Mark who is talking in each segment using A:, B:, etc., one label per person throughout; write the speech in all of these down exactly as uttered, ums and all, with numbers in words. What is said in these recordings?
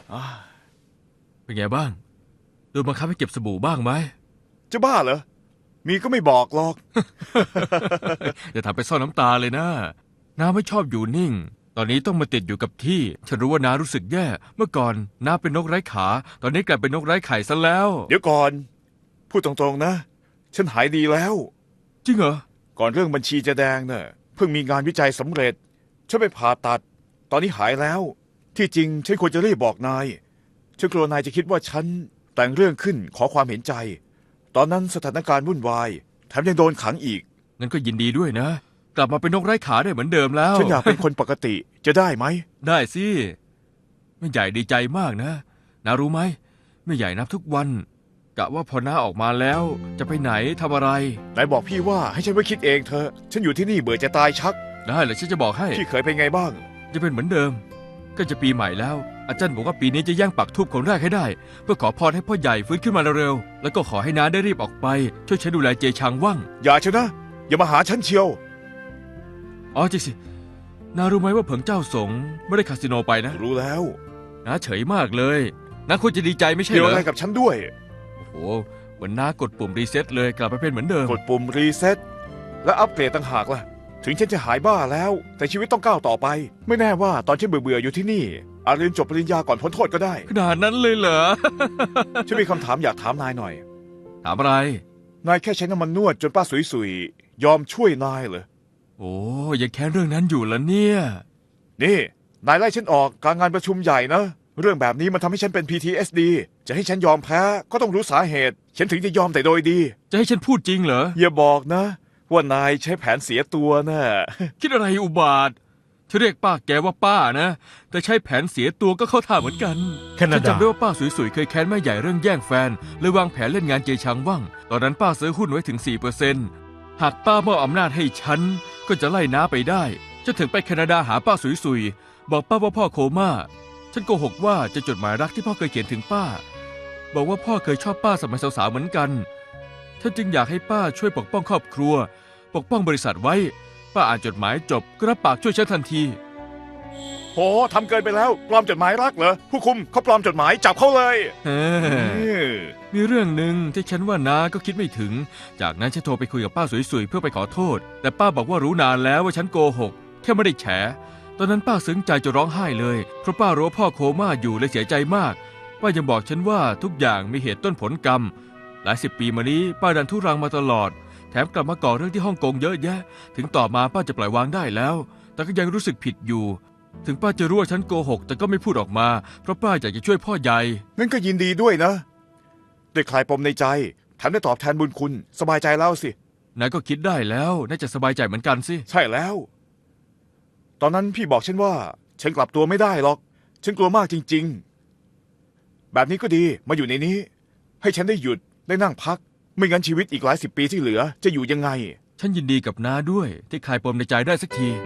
A: เป็นไงบ้างโดนบังคับให้เก็บสบู่บ้างไหม
B: จะบ้าเหรอมีก็ไม่บอกหรอก
A: อย่าทำไปซ่อนน้ำตาเลยนะน้าไม่ชอบอยู่นิ่งตอนนี้ต้องมาติดอยู่กับที่ฉันรู้ว่าน้ารู้สึกแย่เมื่อก่อนน้าเป็นนกไร้ขาตอนนี้กลายเป็นนกไร้ไข่ซะแล้ว
B: เดี๋ยวก่อนพูดตรงๆนะฉันหายดีแล้ว
A: จริงเหรอ
B: ก่อนเรื่องบัญชีจะแดงเน่ะเพิ่งมีงานวิจัยสำเร็จฉันไปผ่าตัดตอนนี้หายแล้วที่จริงฉันควรจะรีบบอกนายฉันกลัวนายจะคิดว่าฉันแต่งเรื่องขึ้นขอความเห็นใจตอนนั้นสถานการณ์วุ่นวายแถมยังโดนขังอีก
A: งั้นก็ยินดีด้วยนะกลับมาเป็นนกไร้ขาได้เหมือนเดิมแล้ว
B: ฉันอยากเป็นคนปกติจะได้ไหม
A: ได้สิแม่ใหญ่ดีใจมากนะนารู้ไหมแม่ใหญ่นับทุกวันกะว่าพอน้าออกมาแล้วจะไปไหนทำอะไร
B: นายบอกพี่ว่าให้ฉันไว้คิดเองเถอะฉันอยู่ที่นี่เบื่อจะตายชัก
A: ได้เลยฉันจะบอกให้
B: พี่เคยเป็นไงบ้าง
A: จะเป็นเหมือนเดิมก็จะปีใหม่แล้วอาจารย์บอกว่าปีนี้จะย่างปักธูปคนแรกให้ได้เพื่อขอพรให้พ่อใหญ่ฟื้นขึ้นมาเร็วๆแล้วก็ขอให้น้าได้รีบออกไปช่วยฉันดูแลเจชางว่าง
B: อย่าเชนะอย่ามาหาฉันเชียว
A: อ๋อจริงสิน้ารู้ไหมว่าเผิงเจ้าสงไม่ได้คาสิโนไปนะ
B: รู้แล้ว
A: น้าเฉยมากเลยน้าควรจะดีใจไม่ใช่เหรอ
B: เกี่ยวอะไรกับฉันด้วย
A: โอ้โหเหมือนน้ากดปุ่มรีเซ็ตเลยกลับไปเป็นเหมือนเดิม
B: กดปุ่มรีเซ็ตและอัปเกรดต่างหากล่ะถึงฉันจะหายบ้าแล้วแต่ชีวิตต้องก้าวต่อไปไม่แน่ว่าตอนฉันเบื่อๆอยู่ที่นี่อาจเรียนจบปริญญาก่อนพ้นโทษก็ได้
A: ขนาดนั้นเลยเหรอ
B: ฉันมีคำถามอยากถามนายหน่อย
A: ถามอะไร
B: นายแค่ใช้น้ำมันนวดจนป้าสุยๆยอมช่วยนายเหรอ
A: โอ้ยังแค้นเรื่องนั้นอยู่ละเนี่ย
B: นี่นายไล่ฉันออกกลางงานประชุมใหญ่นะเรื่องแบบนี้มันทำให้ฉันเป็น พี ที เอส ดี จะให้ฉันยอมแพ้ก็ต้องรู้สาเหตุฉันถึงจะยอมแต่โดยดี
A: จะให้ฉันพูดจริงเหรอ
B: อย่าบอกนะว่านายใช้แผนเสียตัวนะ
A: คิดอะไรอุบาทฉันเรียกป้าแกว่าป้านะแต่ใช้แผนเสียตัวก็เข้าท่าเหมือนกันฉันจำได้ว่าป้าสวยๆเคยแค้นแม่ใหญ่เรื่องแย่งแฟนเลยวางแผนเล่นงานเจชางว่างตอนนั้นป้าซื้อหุ้นไว้ถึง สี่เปอร์เซ็นต์ หากป้ามอบอำนาจให้ฉันก็จะไล่น้าไปได้ฉันถึงไปแคนาดาหาป้าสวยๆบอกป้าว่าพ่อโคม่าฉันโกหกว่าจะจดหมายรักที่พ่อเคยเขียนถึงป้าบอกว่าพ่อเคยชอบป้าสมัยสาวๆเหมือนกันฉันจึงอยากให้ป้าช่วยปกป้องครอบครัวปกป้องบริษัทไว้ป้าอ่านจดหมายจบก็รับปากช่วยฉันทันที
B: โหทำเกินไปแล้วปลอมจดหมายรักเหรอผู้คุมเขาปลอมจดหมายจับเขาเลย
A: มีเรื่องหนึ่งที่ฉันว่าน้าก็คิดไม่ถึงจากนั้นฉันโทรไปคุยกับป้าสวยๆเพื่อไปขอโทษแต่ป้าบอกว่ารู้นานแล้วว่าฉันโกหกแค่ไม่ได้แฉตอนนั้นป้าซึ้งใจจะร้องไห้เลยเพราะป้ารู้ว่าพ่อโคม่าอยู่เลยเสียใจมากป้ายังบอกฉันว่าทุกอย่างมีเหตุต้นผลกรรมหลายสิบปีมานี้ป้าดันทุรังมาตลอดแถมกลับมาก่อเรื่องที่ฮ่องกงเยอะแยะถึงต่อมาป้าจะปล่อยวางได้แล้วแต่ก็ยังรู้สึกผิดอยู่ถึงป้าจะรู้ว่าฉันโกหกแต่ก็ไม่พูดออกมาเพราะป้าอยากจะช่วยพ่อใหญ่
B: งั้นก็ยินดีด้วยนะได้คลายปมในใจแถมได้ตอบแทนบุญคุณสบายใจแล้วสิ
A: นายก็คิดได้แล้วน่าจะสบายใจเหมือนกันสิ
B: ใช่แล้วตอนนั้นพี่บอกฉันว่าฉันกลับตัวไม่ได้หรอกฉันกลัวมากจริงๆแบบนี้ก็ดีมาอยู่ในนี้ให้ฉันได้หยุดได้นั่งพักไม่งั้นชีวิตอีกหลายสิบปีที่เหลือจะอยู่ยังไง
A: ฉันยินดีกับน้าด้วยที่คลายปมในใจได้สักที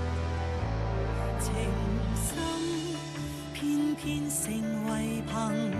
C: 情深偏偏成為朋